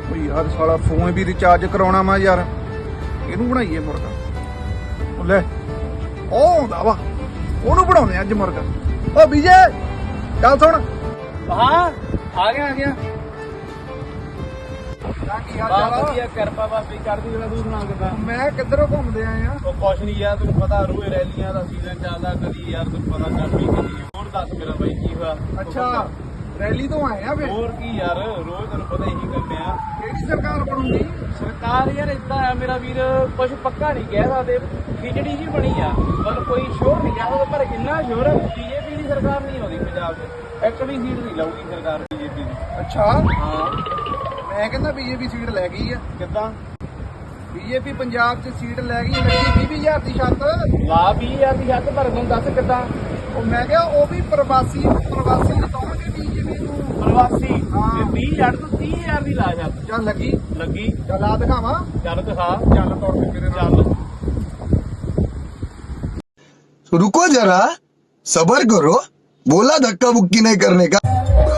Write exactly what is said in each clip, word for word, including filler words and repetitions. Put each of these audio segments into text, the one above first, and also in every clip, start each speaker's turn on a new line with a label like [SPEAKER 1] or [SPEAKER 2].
[SPEAKER 1] यार साला फोन भी रिचार्ज कराउणा वा यार ਇਹਨੂੰ ਬਣਾਈਏ ਮੁਰਗਾ ਉਹ ਲੈ ਉਹ ਆਉਂਦਾ ਵਾ ਉਹਨੂੰ ਬਣਾਉਂਦੇ ਅੱਜ ਮੁਰਗਾ ਓ ਵਿਜੇ ਚੱਲ ਸੁਣ
[SPEAKER 2] हाँ आ गया आ गया
[SPEAKER 1] ਕੀ ਹਾਲ
[SPEAKER 2] बहुत
[SPEAKER 1] ਚਾਲ ਆ?
[SPEAKER 2] बढ़िया कृपा बाबी कर दी जरा तू सुना किदा
[SPEAKER 1] ਮੈਂ ਕਿੱਧਰੋਂ ਘੁੰਮਦੇ ਆਏ ਆ
[SPEAKER 2] तो कुछ नहीं यार तेन पता रोज रैलियां का सीजन चलदा कदी यार तेन पता गर्मी कदी होर दस मेरा भाई की हुआ
[SPEAKER 1] ਅੱਛਾ ਰੈਲੀ ਤੋਂ ਆਏ ਆ ਫਿਰ
[SPEAKER 2] ਹੋਰ ਕੀ ਯਾਰ ਰੋਜ਼ ਤੈਨੂੰ ਪਤਾ ਇਹੀ ਕਰਦੇ ਆ
[SPEAKER 1] ਕਿਹੜੀ ਸਰਕਾਰ ਬਣੂਗੀ
[SPEAKER 2] ਸਰਕਾਰ ਯਾਰ ਇਦਾਂ ਆ ਮੇਰਾ ਵੀਰ ਕੁਝ ਪੱਕਾ ਨਹੀਂ ਕਹਿ ਸਕਦੇ ਖਿਚੜੀ ਜੀ ਬਣੀ ਆ ਪਰ ਕੋਈ ਸ਼ੋਰ ਨਹੀਂ ਕਹਿ ਸਕਦਾ ਪਰ ਇੰਨਾ ਸ਼ੋਰ ਹੈ ਬੀਜੇਪੀ ਦੀ ਸਰਕਾਰ ਨਹੀਂ ਆਉਂਦੀ ਪੰਜਾਬ 'ਚ ਇੱਕ ਵੀ ਸੀਟ ਨਹੀਂ ਲਾਊਗੀ ਸਰਕਾਰ ਬੀਜੇਪੀ ਦੀ
[SPEAKER 1] ਅੱਛਾ
[SPEAKER 2] ਹਾਂ
[SPEAKER 1] ਮੈਂ ਕਹਿੰਦਾ ਬੀਜੇਪੀ ਸੀਟ ਲੈ ਗਈ ਆ
[SPEAKER 2] ਕਿੱਦਾਂ
[SPEAKER 1] ਬੀਜੇਪੀ ਪੰਜਾਬ 'ਚ ਸੀਟ ਲੈ ਗਈ ਲੱਗੀ ਵੀਹ ਹਜ਼ਾਰ ਦੀ ਛੱਤ
[SPEAKER 2] ਲਾ ਵੀਹ ਹਜ਼ਾਰ ਦੀ ਛੱਤ ਭਰ ਨੂੰ ਦੱਸ ਕਿੱਦਾਂ
[SPEAKER 1] ਉਹ ਮੈਂ ਕਿਹਾ ਉਹ ਵੀ ਪ੍ਰਵਾਸੀ ਪ੍ਰਵਾਸੀ ਜਿਤਾਉਣਗੇ ਬੀਜੇਪੀ ਨੂੰ
[SPEAKER 2] ਪ੍ਰਵਾਸੀ
[SPEAKER 1] ਹਾਂ।
[SPEAKER 2] ਤੇ ਵੀਹ ਹਜ਼ਾਰ ਤੋਂ ਤੀਹ ਹਜ਼ਾਰ ਦੀ ਲਾ ਛੱਤ
[SPEAKER 1] ਚੱਲ ਲੱਗੀ
[SPEAKER 2] ਲੱਗੀ
[SPEAKER 1] ਚੱਲ ਆ ਦਿਖਾਵਾਂ
[SPEAKER 2] ਚੱਲ ਦਿਖਾ
[SPEAKER 1] ਚੱਲ ਤੋੜ ਕੇ ਮੇਰੇ ਨਾਲ
[SPEAKER 2] ਚੱਲ
[SPEAKER 3] रुको जरा सबर करो बोला धक्का बुक्की नहीं करने का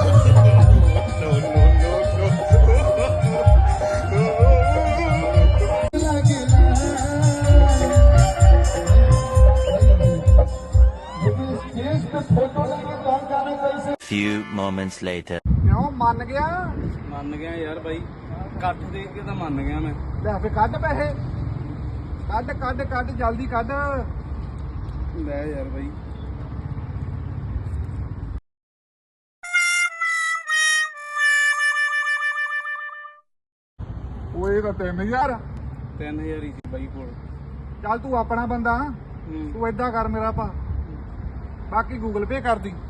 [SPEAKER 4] Few moments later.
[SPEAKER 1] ਕਿਉਂ ਮੰਨ ਗਿਆ
[SPEAKER 2] ਮੰਨ ਗਿਆ ਯਾਰ ਬਾਈ ਇਕੱਠ ਦੇਖ ਕੇ ਤਾਂ ਮੰਨ ਗਿਆ ਮੈਂ
[SPEAKER 1] ਲੈ ਫੇ ਕੱਢ ਪੈਸੇ ਕੱਢ ਕੱਢ ਕੱਢ ਜਲਦੀ ਕੱਢ
[SPEAKER 2] ਲੈ ਯਾਰ ਬਾਈ
[SPEAKER 1] ਓਏ ਤਾਂ ਤਿੰਨ ਹਜ਼ਾਰ
[SPEAKER 2] ਤਿੰਨ ਹਜ਼ਾਰ ਹੀ ਸੀ ਬਾਈ ਕੋਲ
[SPEAKER 1] ਚੱਲ ਤੂੰ ਆਪਣਾ ਬੰਦਾ
[SPEAKER 2] ਹੂੰ।
[SPEAKER 1] ਤੂੰ ਏਦਾਂ ਕਰ ਮੇਰਾ ਭਾ ਬਾਕੀ ਗੂਗਲ ਪੇ ਕਰ ਦੀ